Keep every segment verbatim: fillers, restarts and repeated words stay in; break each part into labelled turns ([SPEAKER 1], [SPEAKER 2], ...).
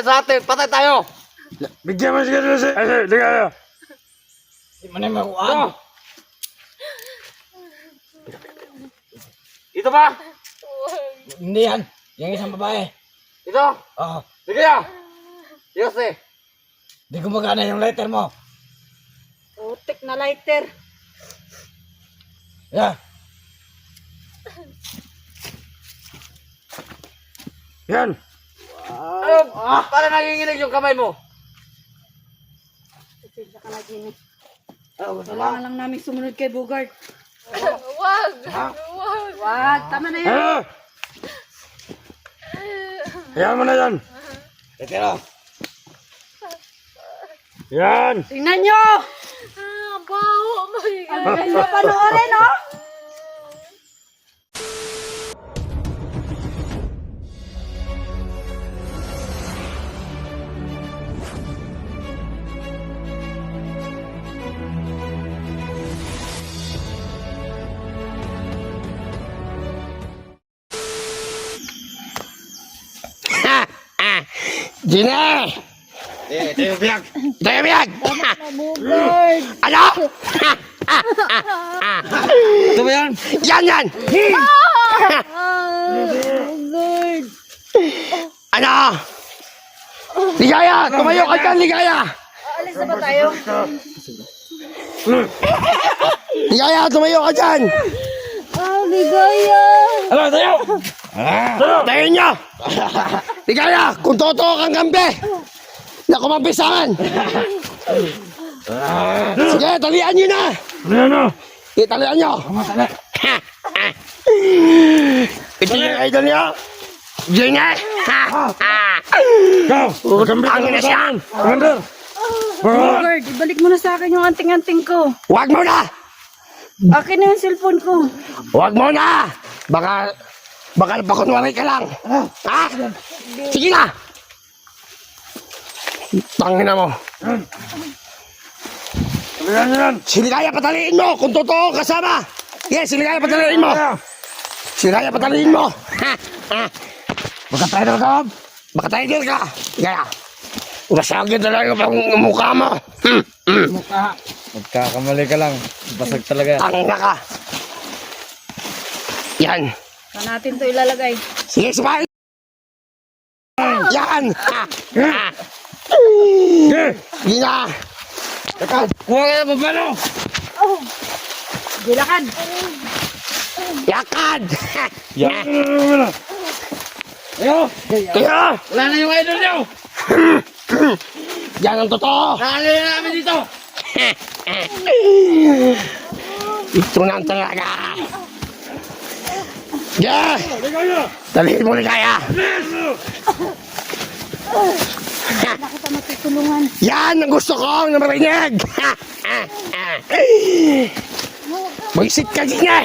[SPEAKER 1] sa atin. Patay tayo.
[SPEAKER 2] Bigyan mo siya dito si... Ay, ligaya.
[SPEAKER 3] Di mo na yung makuhaan.
[SPEAKER 1] Ito ba?
[SPEAKER 3] Hindi yan. Yung isang babae.
[SPEAKER 1] Ito?
[SPEAKER 3] Oo.
[SPEAKER 1] Ligaya. Yose.
[SPEAKER 3] Di gumagana yung letter mo.
[SPEAKER 4] Putik na lighter.
[SPEAKER 3] Yeah.
[SPEAKER 2] Yan.
[SPEAKER 1] Ano? Para nanginginig yung kamay mo.
[SPEAKER 4] Pasensya ka na, Jimmy.
[SPEAKER 1] Ano gusto mo?
[SPEAKER 4] Kailangan lang namin sumunod kay Bogart.
[SPEAKER 5] Wag! Wag!
[SPEAKER 4] Wag, tama na yan.
[SPEAKER 2] Ano? Hayaan mo na yan.
[SPEAKER 3] Letero.
[SPEAKER 2] Yan.
[SPEAKER 4] Tingnan nyo!
[SPEAKER 5] Ah, baho! Oh my God!
[SPEAKER 4] Ang ganda panoorin, no?
[SPEAKER 2] Gina!
[SPEAKER 1] Eh, ito yung biyak.
[SPEAKER 2] Ito yung biyag!
[SPEAKER 4] Bogart!
[SPEAKER 2] Ano?
[SPEAKER 1] Ito ba yan?
[SPEAKER 2] Yan yan!
[SPEAKER 4] Bogart!
[SPEAKER 2] Ano? Ligaya! Tumayo ka dyan, Ligaya!
[SPEAKER 4] Alis na ba tayo?
[SPEAKER 2] Ligaya, tumayo ka dyan!
[SPEAKER 4] Ah, ligaya!
[SPEAKER 3] Ano, tayo!
[SPEAKER 2] Tayo nyo! Ligaya, kung totoo kang kampi, na kumampisahan! Sige, talian nyo na!
[SPEAKER 3] Ano?
[SPEAKER 2] Italian nyo! Ito yung idol nyo! Gina!
[SPEAKER 3] Ikaw!
[SPEAKER 2] Ang ina siya!
[SPEAKER 3] Commander!
[SPEAKER 4] Bogart, ibalik mo na sa akin yung anting-anting ko.
[SPEAKER 2] Huwag mo na!
[SPEAKER 4] Akin na yung cellphone ko.
[SPEAKER 2] Huwag mo na! Baka, baka napakunwari ka lang. Ha? Sige na! Tangina mo.
[SPEAKER 3] Talihan nyo yan!
[SPEAKER 2] Siligaya pataliin mo kung totoo kasama. Yes, siligaya pataliin mo. Siligaya pataliin mo. Ha? Ha?
[SPEAKER 3] Baka tayo na loob!
[SPEAKER 2] Baka tayo din ka. Kaya, nasagin talaga pang mukha mo. Hmm, hmm.
[SPEAKER 3] Mukha!
[SPEAKER 1] Magkakamali ka lang. Basag talaga.
[SPEAKER 2] Tangina ka. Yan.
[SPEAKER 4] Saan natin to ilalagay?
[SPEAKER 2] Sige, sumahin. Yan. Ha? Ha? Sige na.
[SPEAKER 3] Ikaw! Kuha ka na pa paano?
[SPEAKER 4] Oh! Gilakad!
[SPEAKER 2] Yakad.
[SPEAKER 3] Yan! Ayo!
[SPEAKER 2] Kaya,
[SPEAKER 3] Wala na yung idol nyo!
[SPEAKER 2] yan ang totoo.
[SPEAKER 3] Nakali na namin dito!
[SPEAKER 2] Ito na ang talaga. Yeah. Dalihin mo ligaya.
[SPEAKER 4] Wala kita matutulungan.
[SPEAKER 2] Yan ang gusto ko na marinig. Mag-isip ka din eh.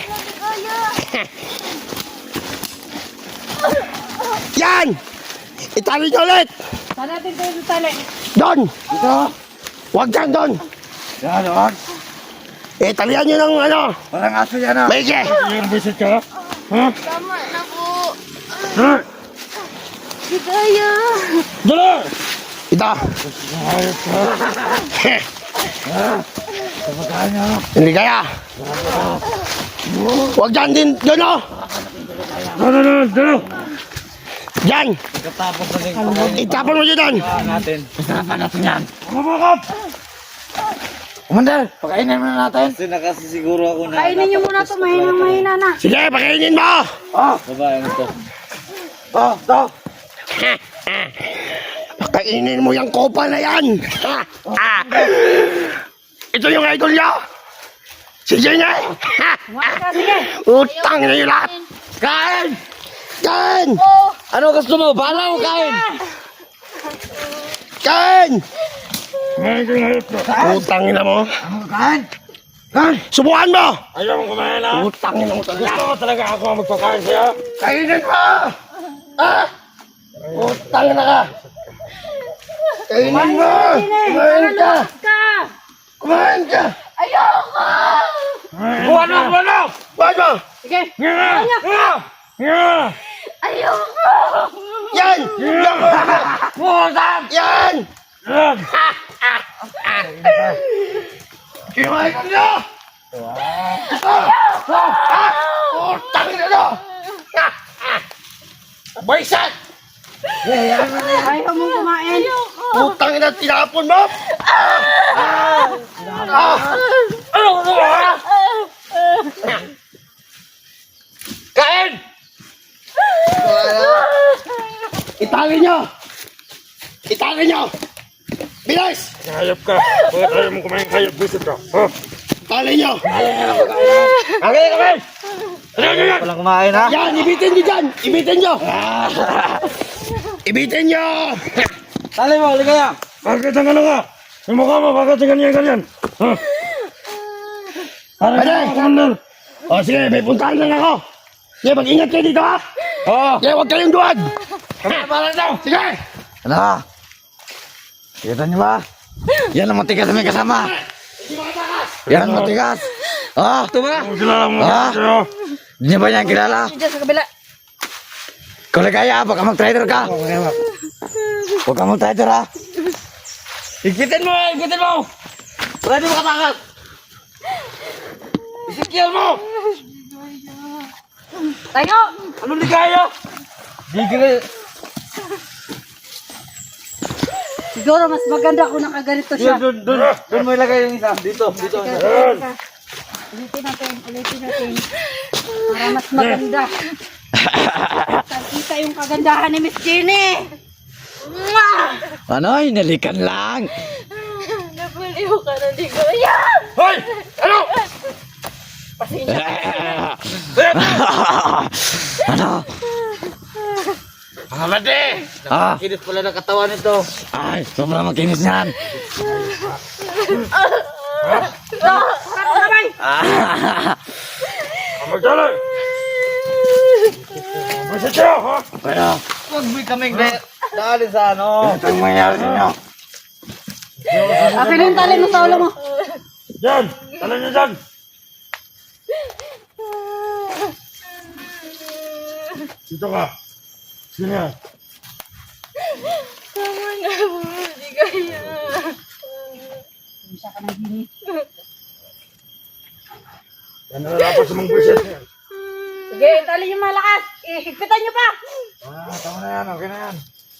[SPEAKER 2] Yan. Itali nyo ulit.
[SPEAKER 4] Saan natin to itali?
[SPEAKER 2] Doon.
[SPEAKER 3] Dito!
[SPEAKER 2] Huwag dyan doon.
[SPEAKER 3] Yan, huwag!
[SPEAKER 2] Eh, talihan nyo ng ano.
[SPEAKER 3] Walang aso yan ah!
[SPEAKER 2] Maigi.
[SPEAKER 3] Yung visit ka? Ha?
[SPEAKER 5] Tama na po!
[SPEAKER 3] Ha?
[SPEAKER 5] Di kaya!
[SPEAKER 3] Dala!
[SPEAKER 2] Ito.
[SPEAKER 3] Ayos ka! Kapagkaan nyo!
[SPEAKER 2] Hindi kaya. Huwag dyan din. Doon o.
[SPEAKER 3] Dala na! Dala!
[SPEAKER 2] Dyan.
[SPEAKER 1] Pagkatapos na din
[SPEAKER 2] Itapon mo dyan doon.
[SPEAKER 1] natin.
[SPEAKER 3] Kasama natin yan! Kumabukop! Commander! Pakainin muna natin!
[SPEAKER 1] Kasi nakasisiguro ako na...
[SPEAKER 4] Kainin nyo muna to, mahinang mahina na.
[SPEAKER 2] Sige, pakainin mo.
[SPEAKER 3] Oh!
[SPEAKER 1] Babae mo to.
[SPEAKER 3] Oh! To!
[SPEAKER 2] Pakainin mo yung kopa na yan. Ha? Ah. Ito yung idol niya. Sige nga. Ha?
[SPEAKER 4] Kumain ka, sige.
[SPEAKER 2] Utang na yung lahat.
[SPEAKER 3] Kain!
[SPEAKER 2] Kain!
[SPEAKER 1] Ano gusto mo? Bala mo kain!
[SPEAKER 2] Kain!
[SPEAKER 3] Kumain ko na ito!
[SPEAKER 2] Utang na mo.
[SPEAKER 3] Ano kain? Kain!
[SPEAKER 2] Subukan mo.
[SPEAKER 3] Ayaw mong kumain ha?
[SPEAKER 2] Utang na mo talaga.
[SPEAKER 3] Gusto mo talaga ako ang magpakain sa'yo?
[SPEAKER 2] Kainin mo. Ah! Utang na ka. Kainin mo. Kumain ka.
[SPEAKER 4] Ka!
[SPEAKER 2] Kumain ka.
[SPEAKER 3] Buwan mo! Buwan mo!
[SPEAKER 2] Kumain mo.
[SPEAKER 4] Sige.
[SPEAKER 3] Nga! Nga! Nga!
[SPEAKER 5] Ayoko!
[SPEAKER 2] Yan! Yan!
[SPEAKER 3] Putang!
[SPEAKER 2] Yan!
[SPEAKER 3] Yan!
[SPEAKER 2] Sino ang idol nyo? Putang ina nyo! Baisan!
[SPEAKER 4] Ayaw mong kumain.
[SPEAKER 2] Putang ina, tinapon mo! Ah!
[SPEAKER 1] Kain!
[SPEAKER 2] Itangin nyo! Itangin nyo! Bilis!
[SPEAKER 3] Hayop ka! Bakit ayaw mo kumain hayop? Visit ka! Ha?
[SPEAKER 2] Itangin nyo!
[SPEAKER 3] Kakain kami! Ano yan? Walang kumain ha?
[SPEAKER 2] Yan! Ibitin nyo dyan! Ibitin nyo! Ibitin nyo!
[SPEAKER 3] Tali mo, halika yan! Bakit ang ano ka? Yung mukha mo, bakit ang ganyan-ganyan? Ha? Ano
[SPEAKER 2] Ano?
[SPEAKER 3] ka, Commander?
[SPEAKER 2] O sige, may puntahan lang ako! Sige, mag-ingat kayo dito ha!
[SPEAKER 3] Oo!
[SPEAKER 2] Sige, huwag kayong duwag!
[SPEAKER 3] Kami para daw!
[SPEAKER 2] Sige!
[SPEAKER 3] Ano? Kita niyo ba? Yan ang matigas na may kasama! Yan ang matigas! Ah! Ito ba? Kilala mo
[SPEAKER 2] Ah?
[SPEAKER 3] siya! Hindi niyo ba yan kilala?
[SPEAKER 4] Diyan sa kabila.
[SPEAKER 3] Kung nagaya, baka mag-trader ka! Huwag ka mag-trader ha! Ikitin mo! Ikitin mo! Wala di mo katakas! Isikil mo!
[SPEAKER 4] Tayo!
[SPEAKER 3] Anong ligaya? Di ka...
[SPEAKER 4] Siguro mas maganda kung nakaganito siya.
[SPEAKER 3] Doon, doon, doon mo ilagay yung isa. Dito, dito.
[SPEAKER 4] Ulitin natin, ulitin natin. Para mas maganda. Kita yung kagandahan ni Miss Jenny.
[SPEAKER 3] Ano? Hinalikan lang.
[SPEAKER 5] Nabaliw ka na, di ko. Ayan!
[SPEAKER 3] Hoy! Ano? Ano?
[SPEAKER 1] Hamade!
[SPEAKER 3] Ah.
[SPEAKER 1] Kinis pala ng katawan nito.
[SPEAKER 3] Ay, sobrang makinis niyan. Ah. Magdala! Basta siya, ha? Kaya,
[SPEAKER 1] Huwag mo kaming da- daanin sa ano.
[SPEAKER 3] ito yung mangyari sa inyo.
[SPEAKER 4] Akin yung tali mo sa ulo mo.
[SPEAKER 3] Diyan! Tala niyo dyan! Dito ka. Sino yan?
[SPEAKER 5] Tama na po, di kaya.
[SPEAKER 4] Isa ka ng Jenny.
[SPEAKER 3] Yan na nalapas sa mga buwisit niyan.
[SPEAKER 4] Sige, tali yung malakas. Ihigpitan niyo pa.
[SPEAKER 3] Ah, tama na yan. Okay na yan.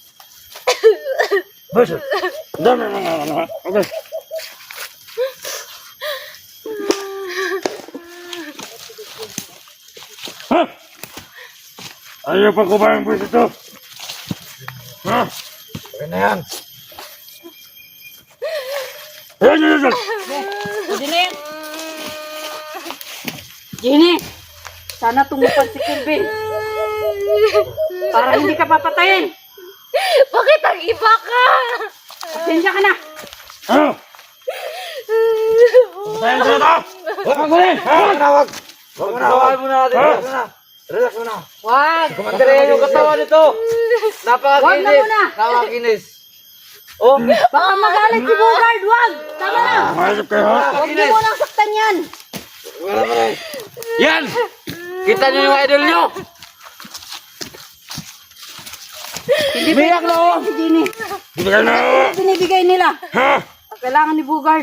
[SPEAKER 3] Buwisit. Dami na nga. Ano, ha? Okay. Ha? Ayaw pa kumain ang buwisit to. Ha? Okay na yan. Ayan, yan, yan.
[SPEAKER 4] Jenny. Jenny. Sana tumupan si Kelvin. Para hindi ka papatayin.
[SPEAKER 5] Bakit ang iba ka?
[SPEAKER 4] Pasensya ka na.
[SPEAKER 3] Ano? Patayin sila to! Huwag kang kunin! Huwag na, huwag! Huwag na, huwag!
[SPEAKER 1] Tawagan mo na natin.
[SPEAKER 3] Ha?
[SPEAKER 1] Relax na. Relax mo na.
[SPEAKER 4] Wag.
[SPEAKER 1] Kumandarin yung katawan nito. Napakakinis.
[SPEAKER 4] Wag na muna.
[SPEAKER 1] Napakakinis. Oh,
[SPEAKER 4] Baka magalit si Bogard. Wag. Tama na.
[SPEAKER 3] Mahirap kayo, ha?
[SPEAKER 4] Huwag niyo munang saktan yan.
[SPEAKER 1] yan! Kita niyo yung idol niyo.
[SPEAKER 4] Hindi biyak na si Jenny.
[SPEAKER 3] Bibigay na ako!
[SPEAKER 4] Binibigay nila.
[SPEAKER 3] Ha?
[SPEAKER 4] Ang kailangan ni Bogard.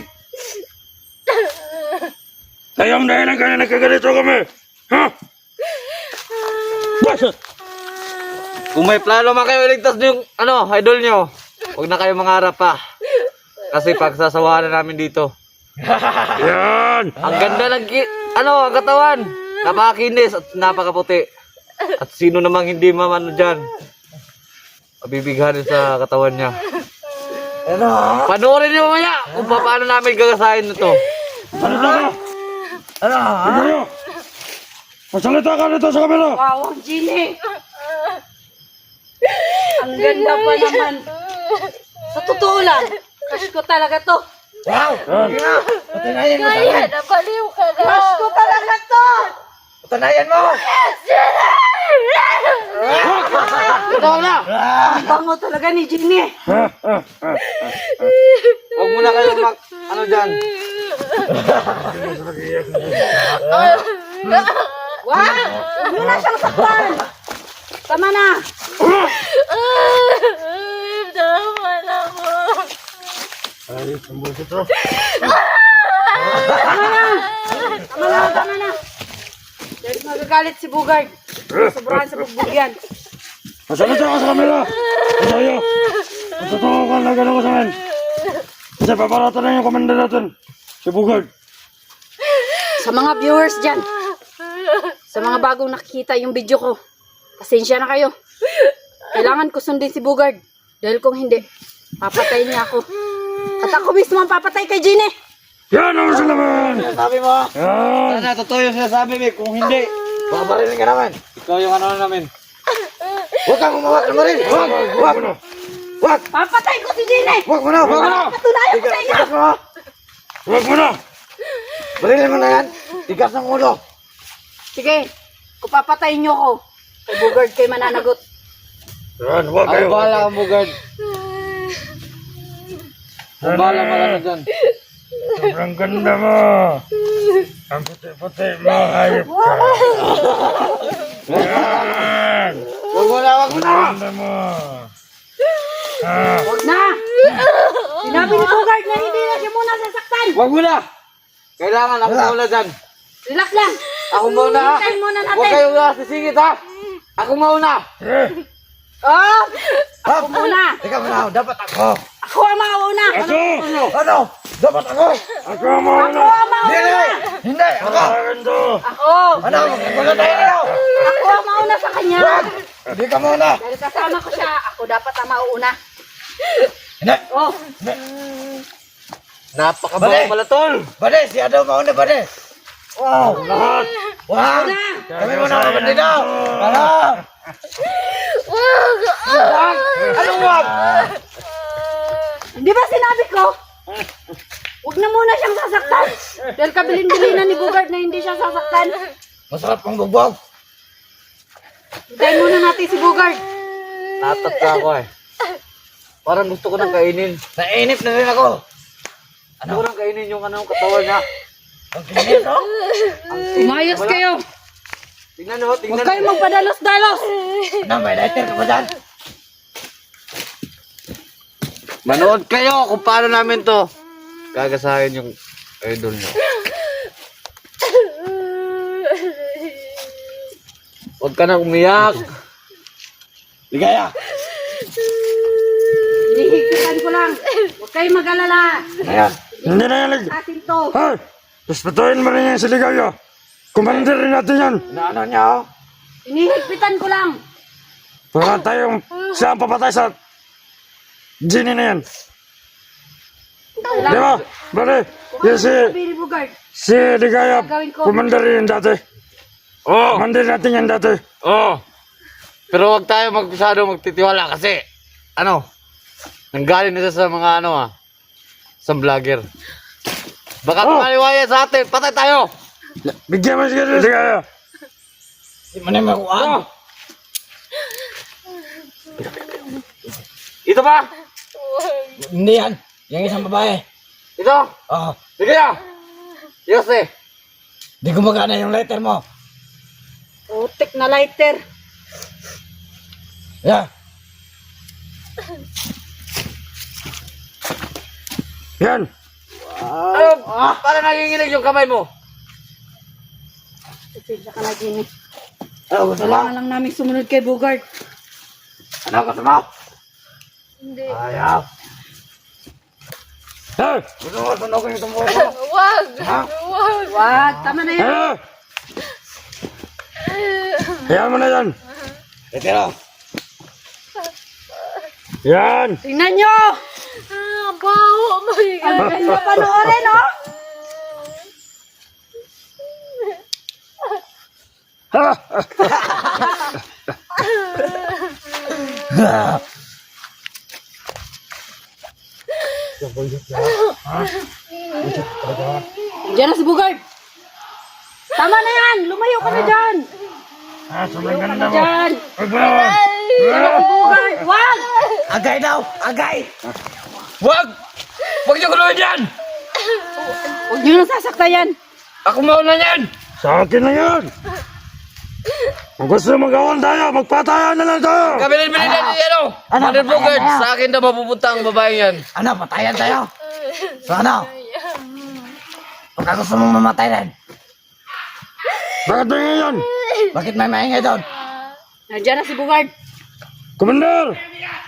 [SPEAKER 3] Kayo ang dahilan kaya nagkaganito kami! Ha? Bakit?
[SPEAKER 1] Kung may plano man kayo iligtas niyo yung ano, idol niyo, huwag na kayo mangarap pa. Kasi pagsasawahan na namin dito.
[SPEAKER 3] Yan!
[SPEAKER 1] Ang ganda ng ki- ano, ang katawan. Napakakinis at napakaputi. At sino namang hindi mamano dyan, mabibighanin sa katawan niya.
[SPEAKER 3] Ano?
[SPEAKER 1] Panoorin niyo mamaya kung paano namin gagasahin ito.
[SPEAKER 3] Ano ka? Ano? Ano? Magsalita ka nito sa kamera!
[SPEAKER 4] Wow, ang Jenny. Ang ganda pa naman. Sa totoo lang, crush ko talaga to.
[SPEAKER 3] Yan!
[SPEAKER 5] Kaya, nabaliw ka na.
[SPEAKER 4] Crush ko talaga to.
[SPEAKER 1] Patunayan mo! Ito na!
[SPEAKER 4] Ang bango talaga ni Jenny.
[SPEAKER 3] Ha? Ha? Ha?
[SPEAKER 1] Huwag muna kayo mag... ano dyan.
[SPEAKER 4] Wow, huwag mo na siyang saktan. Tama na!
[SPEAKER 5] Tama na po.
[SPEAKER 2] Ay, sambol ito.
[SPEAKER 4] Tama na, tama na! Dahil magagalit si Bugard. Sobrahan sa bugbog yan.
[SPEAKER 2] Masalita ka sa kamera. Masaya. Matotoo ka na gano'n ko sa akin. Kasi paparata na yung komanda natin. Si Bugard.
[SPEAKER 4] Sa mga viewers dyan, sa mga bagong nakikita yung video ko, pasensya na kayo. Kailangan ko sundin si Bugard. Dahil kung hindi, papatayin niya ako. At ako mismo ang papatay kay Gine.
[SPEAKER 2] Yan ang gusto naman.
[SPEAKER 3] Sabi mo,
[SPEAKER 2] Yan.
[SPEAKER 1] Sana, totoo yung sinasabi, Vic. Kung hindi,
[SPEAKER 3] babarilin ka naman.
[SPEAKER 1] ikaw yung ano namin.
[SPEAKER 3] Huwag kang umawak ng baril. Huwag, huwag. Huwag,
[SPEAKER 4] Papatay ko si Gine!
[SPEAKER 3] huwag mo na, huwag mo na.
[SPEAKER 4] Patunayan ko sa inyo!
[SPEAKER 3] Tigas mo.
[SPEAKER 2] Huwag mo na.
[SPEAKER 3] Barilin mo na yan. Tigas ng ulo.
[SPEAKER 4] Sige, kung papatayin niyo ako, kay Bugard kayo mananagot.
[SPEAKER 2] Yan, huwag
[SPEAKER 1] Ako
[SPEAKER 2] kayo.
[SPEAKER 1] bahala ang bugard. Ako bahala magano dyan.
[SPEAKER 2] Sobrang ganda mo. Ang puti-puti mo, hayop ka. Yan.
[SPEAKER 3] Huwag mo na, huwag mo na.
[SPEAKER 2] Ganda mo. Ah.
[SPEAKER 4] Huwag na! Sinabi ni Bugard na hindi na siya muna sasaktan!
[SPEAKER 1] Wag mo na! Kailangan ako mauna dyan.
[SPEAKER 4] Relax lang!
[SPEAKER 1] Ako mauna ha!
[SPEAKER 4] Hintayin muna
[SPEAKER 1] Huwag
[SPEAKER 4] natin!
[SPEAKER 1] kayong sisingit ha! Ako mauna!
[SPEAKER 2] Eh,
[SPEAKER 4] Oh! Ako muna!
[SPEAKER 3] Teka muna, dapat ako.
[SPEAKER 4] Ako ang mauna!
[SPEAKER 2] Ako!
[SPEAKER 3] Ano? Dapat ako.
[SPEAKER 2] Ako ang mauna.
[SPEAKER 4] Ako ang mauna!
[SPEAKER 3] Hindi, hindi, ako.
[SPEAKER 2] Akin to.
[SPEAKER 4] Ako!
[SPEAKER 3] Ano? Magkakaroon tayo nila.
[SPEAKER 4] Ako ang mauna sa kanya!
[SPEAKER 3] Hindi ka muna.
[SPEAKER 4] Dahil kasama ko siya, ako dapat ang mauna.
[SPEAKER 3] Hindi.
[SPEAKER 4] Oh!
[SPEAKER 1] Napakabaho
[SPEAKER 3] Bale.
[SPEAKER 1] pala tol!
[SPEAKER 3] Bade, si Ado mauna, bade. Wow.
[SPEAKER 2] Lahat.
[SPEAKER 3] Wow.
[SPEAKER 4] Una!
[SPEAKER 3] Kami muna mga bandido. Ano?
[SPEAKER 5] Wag!
[SPEAKER 3] Wag. Anong wag?
[SPEAKER 4] Hindi ba sinabi ko? Huwag na muna siyang sasaktan! Dahil kabilin-bilinan ni Bugard na hindi siya sasaktan.
[SPEAKER 3] Masarap ang bugbog.
[SPEAKER 4] Hintayin muna natin si Bugard.
[SPEAKER 1] Natat ka ako eh. Parang gusto ko nang kainin.
[SPEAKER 3] Nainip na rin ako.
[SPEAKER 1] Gusto ko nang kainin yung anong katawan niya.
[SPEAKER 3] Ang kinit, oh.
[SPEAKER 4] Umayos kayo!
[SPEAKER 1] Tingnan nyo, tingnan
[SPEAKER 4] Huwag kayong magpadalos-dalos!
[SPEAKER 3] Ano, may lighter ka ba dyan?
[SPEAKER 1] Manood kayo kung paano namin to gagasahin yung idol nyo. Huwag ka na umiyak.
[SPEAKER 3] Ligaya.
[SPEAKER 4] Hihigpitan ko lang. Huwag kayong mag-alala.
[SPEAKER 3] Ayan.
[SPEAKER 2] Hindi na yan. lig-
[SPEAKER 4] Atin to.
[SPEAKER 2] Hey! Respetuhin mo rin yan si Ligaya. Commander rin natin yan.
[SPEAKER 3] Inaano niya, oh.
[SPEAKER 4] Hinihigpitan ko lang.
[SPEAKER 2] Wala tayong siya ang papatay sa Genie na yan. Di ba? Bale, yan si,
[SPEAKER 4] Sabi ni Bugard.
[SPEAKER 2] si Ligaya,
[SPEAKER 4] Gagawin ko.
[SPEAKER 2] commander rin dati.
[SPEAKER 1] Oo.
[SPEAKER 2] Commander natin yan dati.
[SPEAKER 1] Oo. Pero huwag tayo magpisado magtitiwala kasi ano, nanggaling na siya sa mga ano ah, sa vlogger. Baka
[SPEAKER 2] Oh.
[SPEAKER 1] tumaliwaya sa atin, patay tayo!
[SPEAKER 2] Bigyan mo si Ligaya.
[SPEAKER 3] Hindi mo na makuhaan.
[SPEAKER 1] Oh. Ito ba?
[SPEAKER 3] Hindi yan. Yung isang babae.
[SPEAKER 1] Ito?
[SPEAKER 3] Oh.
[SPEAKER 1] Sige na! Yose!
[SPEAKER 3] Di gumagana yung lighter mo.
[SPEAKER 4] Putik na lighter.
[SPEAKER 3] Yeah.
[SPEAKER 2] Yan.
[SPEAKER 1] Ano? Para nanginginig yung kamay mo.
[SPEAKER 4] Pasensya ka na, Ginny.
[SPEAKER 3] Ano gusto mo?
[SPEAKER 4] Kailangan lang namin sumunod kay Bugard.
[SPEAKER 3] Ano gusto mo?
[SPEAKER 5] Hindi.
[SPEAKER 3] Ayaw.
[SPEAKER 2] Hey!
[SPEAKER 3] Gusto mo sunogin yung tumuko ko?
[SPEAKER 5] Wag!
[SPEAKER 3] Ha?
[SPEAKER 5] Wag!
[SPEAKER 4] Wag, tama na yan.
[SPEAKER 2] Hey! Hayaan mo na yan.
[SPEAKER 3] Retiro.
[SPEAKER 2] Yan.
[SPEAKER 4] Tingnan nyo!
[SPEAKER 5] Ah, baho! My
[SPEAKER 4] Ang
[SPEAKER 5] God!
[SPEAKER 4] ganda panoorin, oh! Diyan na si Bugard. Tama na yan! Lumayo ka na dyan!
[SPEAKER 2] Ah, sobrang
[SPEAKER 4] Lumayo ka
[SPEAKER 2] ganda
[SPEAKER 4] na
[SPEAKER 2] mo.
[SPEAKER 4] dyan!
[SPEAKER 2] Huwag mo naman.
[SPEAKER 4] Diyan na si Bugard! Wag!
[SPEAKER 3] Agay daw! Agay!
[SPEAKER 1] Wag! Huwag niyo guluhin yan!
[SPEAKER 4] Huwag nyo nang sasakta yan!
[SPEAKER 1] Ako mauna yan!
[SPEAKER 2] Sa akin na yan. Kung gusto magawan tayo, magpatayan na lang tayo.
[SPEAKER 1] Kabilin-bilin na ni ano.
[SPEAKER 3] Ano,
[SPEAKER 1] Mother
[SPEAKER 3] patayan
[SPEAKER 1] Bogart,
[SPEAKER 3] tayo.
[SPEAKER 1] sa akin na mapupunta ang babae yan.
[SPEAKER 3] Ano, patayan tayo? So ano? Baka gusto mong mamatay rin.
[SPEAKER 2] Bakit ba ngayon?
[SPEAKER 3] Bakit may maingay doon?
[SPEAKER 4] Nandiyan na si Bugard.
[SPEAKER 2] Commander!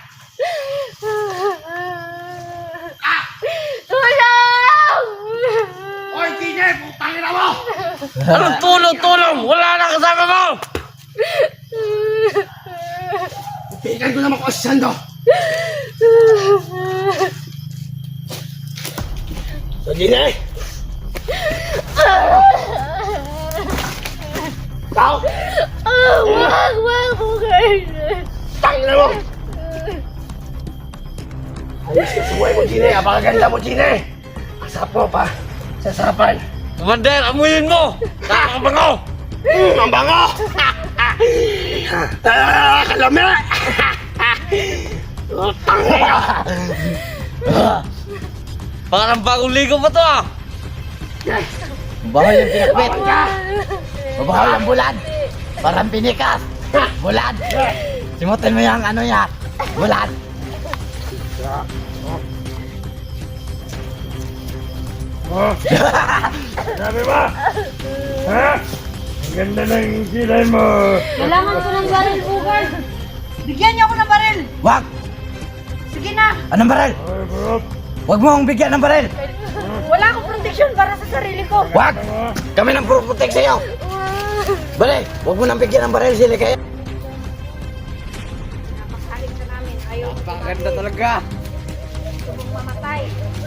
[SPEAKER 5] Tulong!
[SPEAKER 1] Oy, Tine, putang ina mo! Anong tulong-tulong? Wala na kasama mo!
[SPEAKER 3] Pigan ko naman ko si Sando. So, Gine! Ikaw!
[SPEAKER 5] Ah, wag, wag, Bugard.
[SPEAKER 3] Tangin na mo! Ayos ka sa buhay mo, Gine. Apakaganda mo, Gine. Asap mo pa. Sa sarapan.
[SPEAKER 1] Commander, amuyin mo! Nakakabango!
[SPEAKER 3] Mm, ang bango! Ah, kalami! Oh, tangin ka!
[SPEAKER 1] Parang bagong ligo pa to ah!
[SPEAKER 3] Bahoy yung pinakbit. Babahoy yung bulan. Parang pinikas. Bulan. Simutin mo yung ano niya. Bulan.
[SPEAKER 2] Oh, sabi ba? Ha? Ang ganda ng kilay mo.
[SPEAKER 4] Kailangan ko ng baril, Bugard. Bigyan niyo ako ng baril.
[SPEAKER 3] Wag!
[SPEAKER 4] Sige na.
[SPEAKER 3] Anong baril?
[SPEAKER 2] Ay, bro.
[SPEAKER 3] Wag mo akong bigyan ng baril.
[SPEAKER 4] Wala akong protection para sa sarili ko.
[SPEAKER 3] Wag! Kami nang protect sa'yo. Balik! Wag mo nang bigyan ng baril sila kaya.
[SPEAKER 4] Napakalit ka namin. Ayaw mo
[SPEAKER 1] Napakaganda talaga!
[SPEAKER 4] mong mamatay.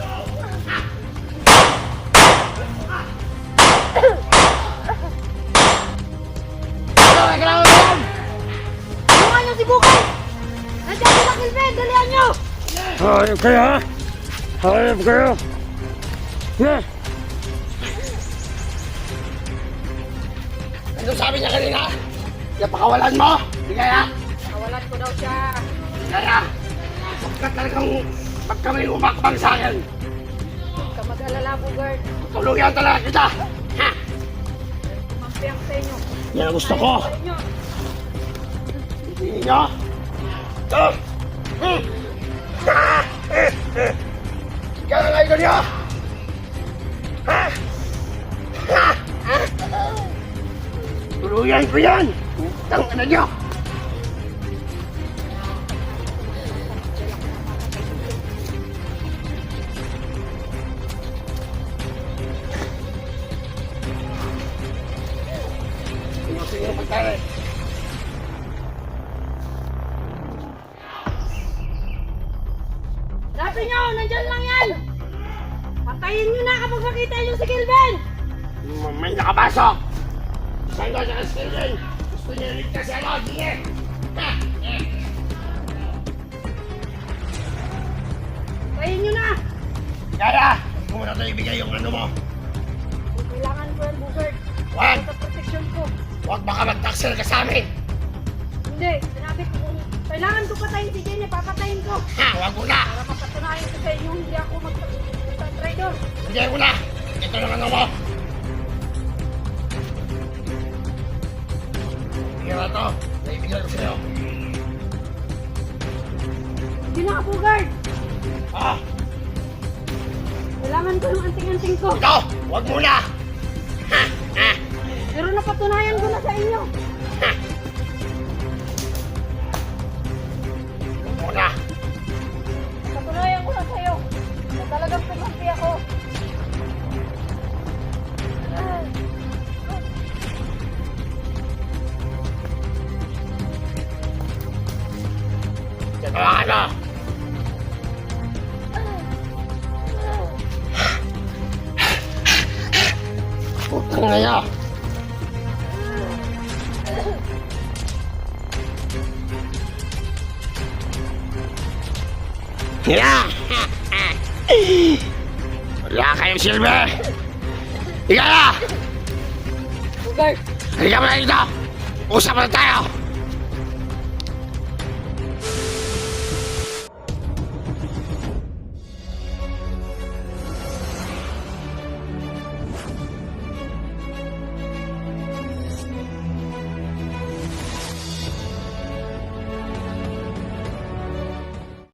[SPEAKER 4] Tulungan niyo si Bugard. Nandiyan si Kilben. Dalihan niyo.
[SPEAKER 2] Hayop kayo, ha? Hayop kayo. Ha?
[SPEAKER 3] Ano sabi niya kanina? Napakawalan mo. Di kaya?
[SPEAKER 4] Kawalan ko daw siya.
[SPEAKER 3] Kaya? Sapagkat talagang pag kami umakbang sa akin,
[SPEAKER 4] Huwag ka mag-alala, Bugard.
[SPEAKER 3] tulungan talaga kita. Ha?
[SPEAKER 4] Kumampi ako sa inyo.
[SPEAKER 3] Yan ang gusto ko.
[SPEAKER 4] Balik niyo.
[SPEAKER 3] Hindi niyo? Ito! Hmm! Ah! Eh! Eh! Kaya nga ito niyo! Ha? Ha? Ha? Tuluyan ko yan! Utang na niyo! Gusto niyo magkari?
[SPEAKER 4] Sabi niyo, nandyan lang yan. Patayin niyo na kapag makita niyo si Kilben.
[SPEAKER 3] May nakapasok! Saan ko sa kastilin? Gusto niya ligtas si ano? Sige! Ha? Eh!
[SPEAKER 4] Patayin niyo na.
[SPEAKER 3] Kaya! Huwag mo na ito ibigay yung ano mo!
[SPEAKER 4] Kailangan ko yan, Bugard.
[SPEAKER 3] Wag!
[SPEAKER 4] Sa protection ko.
[SPEAKER 3] Huwag baka mag-taxel ka sa amin!
[SPEAKER 4] Hindi, sinabi ko, kailangan ko patayin si Jenny, papatayin ko.
[SPEAKER 3] Ha! Huwag mo na!
[SPEAKER 4] Para mapatunayan ko sa inyo, hindi ako mag-traidor.
[SPEAKER 3] Hindi mo na! Ito lang ano mo! Bigyan mo ito! Naibigyan ko sa'yo!
[SPEAKER 4] Hindi na, Bugard.
[SPEAKER 3] Ha?
[SPEAKER 4] Kailangan ko yung anting-anting ko.
[SPEAKER 3] Ito! Huwag mo na! Ha? Ha?
[SPEAKER 4] Pero napatunayan ko na sa inyo.
[SPEAKER 3] Ha? Huwag mo na!
[SPEAKER 4] Napatunayan ko na sa iyo. Na talagang kumampi ako.
[SPEAKER 3] Ito lang ano! Putang na niya! Yeah! Wala kayong silbi! Higa na!
[SPEAKER 4] Bugard,
[SPEAKER 3] Halika mo na dito! Usap na tayo!